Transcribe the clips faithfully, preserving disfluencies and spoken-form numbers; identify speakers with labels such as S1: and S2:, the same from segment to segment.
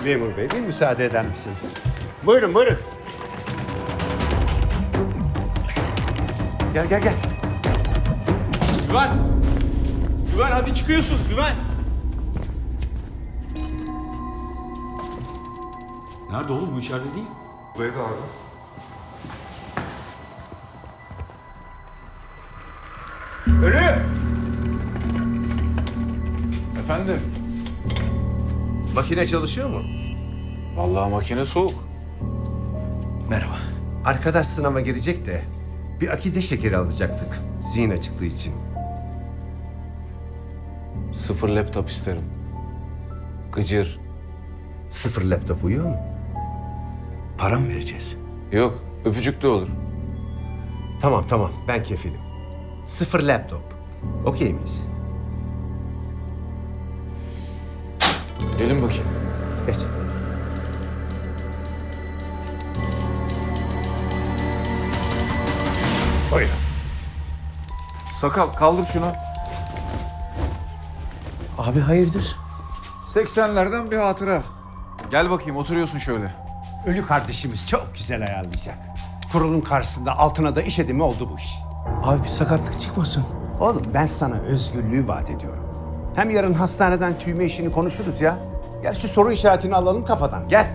S1: Memur bey, bir müsaade eder misin? Buyurun, buyurun. Gel, gel, gel.
S2: Güven! Güven hadi çıkıyorsun Güven! Nerede oğlum, bu içeride değil.
S3: Buradaydı abi.
S1: Ölü!
S4: Efendim?
S1: Makine çalışıyor mu?
S4: Vallahi makine soğuk.
S2: Merhaba.
S1: Arkadaş sınava girecek de bir akide şekeri alacaktık zihin açıklığı için.
S4: Sıfır laptop isterim. Gıcır.
S1: Sıfır laptop uyuyor mu?
S2: Para mı vereceğiz?
S4: Yok, öpücük de olur.
S1: Tamam, tamam. Ben kefilim. Sıfır laptop. Okey miyiz?
S4: Gelin bakayım.
S1: Geç. Buyurun.
S4: Sakal, kaldır şunu.
S2: Abi hayırdır?
S4: seksenlerden bir hatıra. Gel bakayım, oturuyorsun şöyle.
S1: Ölü kardeşimiz çok güzel ayarlayacak. Kurulun karşısında altına da iş edimi oldu bu iş.
S2: Abi bir sakatlık çıkmasın.
S1: Oğlum ben sana özgürlüğü vaat ediyorum. Hem yarın hastaneden tüyme işini konuşuruz ya. Gel şu soru işaretini alalım kafadan. Gel.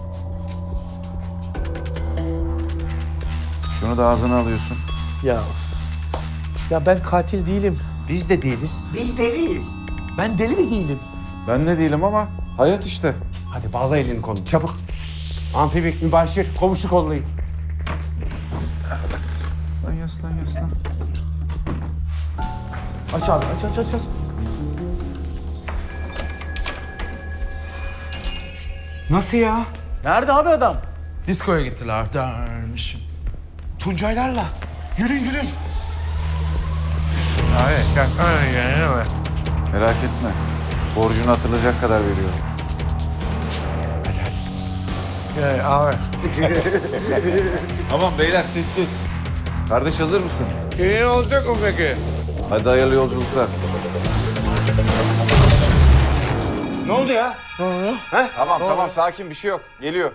S4: Şunu da ağzına alıyorsun.
S2: Ya ya ben katil değilim.
S1: Biz de değiliz. Biz deliyiz.
S2: Ben deli de değilim.
S4: Ben de değilim ama hayat işte.
S1: Hadi bağla elini kolunu çabuk. Amfibik, mübaşir, komşu kollayın.
S4: Yaslan, yaslan, yaslan.
S2: Aç abi aç aç aç aç.
S4: Nasıl ya?
S2: Nerede abi adam? Diskoya gittiler dermişim. Tuncaylarla. Yürüyün yürüyün.
S4: Abi, gel. Merak etme. Borcunu hatırlayacak kadar veriyorum.
S2: abi.
S4: Tamam beyler, sessiz. Kardeş hazır mısın?
S1: İyi olacak mı peki?
S4: Hadi hayırlı yolculuklar.
S1: Ne oldu ya?
S4: Tamam tamam, sakin, bir şey yok. Geliyor.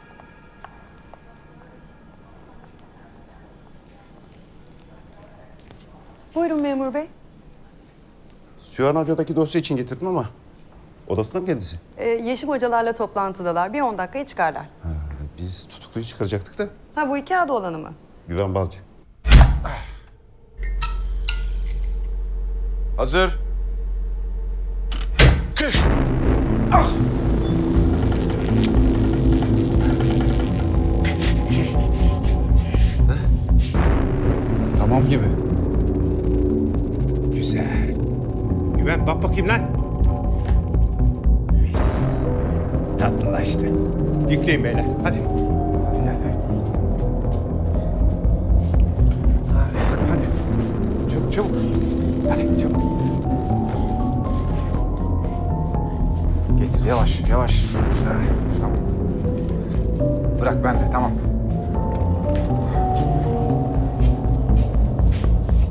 S5: Buyurun memur bey.
S3: Sühan Hoca'daki dosya için getirdim ama odasında mı kendisi?
S5: Ee, Yeşim hocalarla toplantıdalar. Bir on dakikaya çıkarlar.
S3: Ha, biz tutukluyu çıkaracaktık da
S5: Ha bu iki adı olanı mı?
S3: Güven Balcı.
S4: Hazır. Tamam gibi.
S1: Güzel. Güven bak bakayım lan. Mis. Tatlılaştı. Yükleyin beyler. Hadi. Hadi gel gel. Hadi hadi. Çabuk çabuk. Hadi çabuk.
S4: Getir, yavaş yavaş. Tamam. Bırak ben de, tamam.